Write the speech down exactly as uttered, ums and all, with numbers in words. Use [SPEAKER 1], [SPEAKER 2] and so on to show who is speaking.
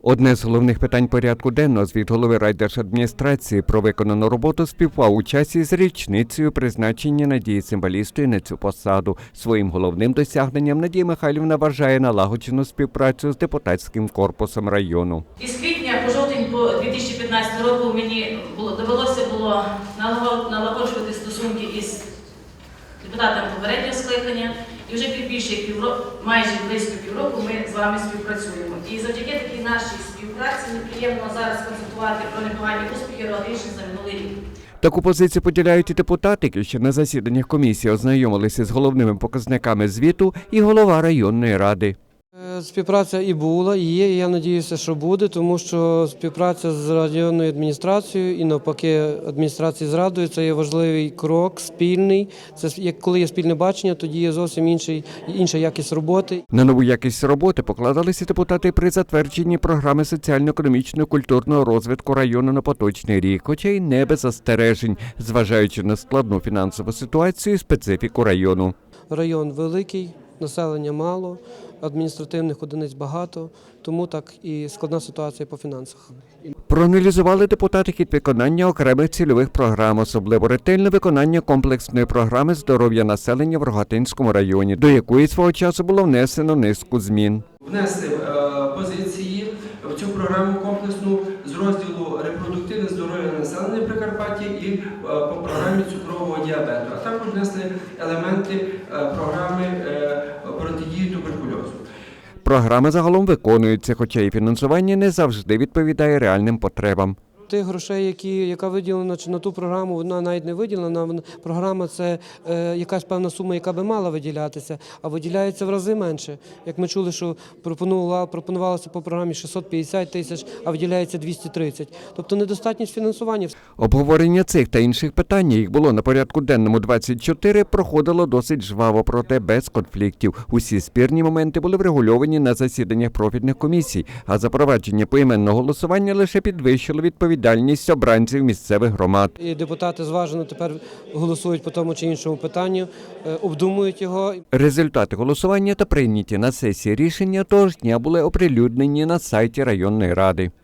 [SPEAKER 1] Одне з головних питань порядку денного звіт голови райдержадміністрації про виконану роботу співпав у часі з річницею призначення Надії Цимбалістої на цю посаду. Своїм головним досягненням Надія Михайлівна вважає налагоджену співпрацю з депутатським корпусом району.
[SPEAKER 2] Із квітня по жовтень по дві тисячі п'ятнадцятого року мені було, довелося було налагоджувати стосунки із депутатами попереднього скликання. І вже більше півроку, майже близько півроку ми з вами співпрацюємо. І завдяки такій нашій співпраці неприємно зараз констатувати про непогані успіхи рішень за минулий рік.
[SPEAKER 1] Таку позицію поділяють і депутати, які ще на засіданнях комісії ознайомилися з головними показниками звіту, і голова районної ради.
[SPEAKER 3] Співпраця і була, і є, і я сподіваюся, що буде, тому що співпраця з районною адміністрацією і навпаки адміністрації з радою – це є важливий крок, спільний. Це коли є спільне бачення, тоді є зовсім інший, інша якість роботи.
[SPEAKER 1] На нову якість роботи покладалися депутати при затвердженні програми соціально-економічного культурного розвитку району на поточний рік, хоча й не без застережень, зважаючи на складну фінансову ситуацію і специфіку району.
[SPEAKER 3] Район великий, населення мало, адміністративних одиниць багато, тому так і складна ситуація по фінансах.
[SPEAKER 1] Проаналізували депутати хід виконання окремих цільових програм, особливо ретельне виконання комплексної програми здоров'я населення в Рогатинському районі, до якої свого часу було внесено низку змін.
[SPEAKER 4] Внесли е, позиції в цю програму комплексну з розділу репродуктивне здоров'я населення Прикарпаття і е, по програмі цукрового діабету, а також внесли елементи е, програми е, протидії туберкульозу.
[SPEAKER 1] Програми загалом виконуються, хоча і фінансування не завжди відповідає реальним потребам.
[SPEAKER 3] Тих грошей, які, яка виділена на ту програму, вона навіть не виділена. Програма – це е, якась певна сума, яка би мала виділятися, а виділяється в рази менше. Як ми чули, що пропонувалося по програмі шістсот п'ятдесят тисяч, а виділяється двісті тридцять. Тобто недостатність фінансування.
[SPEAKER 1] Обговорення цих та інших питань, їх було на порядку денному двадцять чотири, проходило досить жваво, проте без конфліктів. Усі спірні моменти були врегульовані на засіданнях профільних комісій, а запровадження поіменного голосування лише підвищило відповідальність відповідальність обранців місцевих громад.
[SPEAKER 3] І депутати зважено тепер голосують по тому чи іншому питанню, обдумують його.
[SPEAKER 1] Результати голосування та прийняті на сесії рішення того ж дня були оприлюднені на сайті районної ради.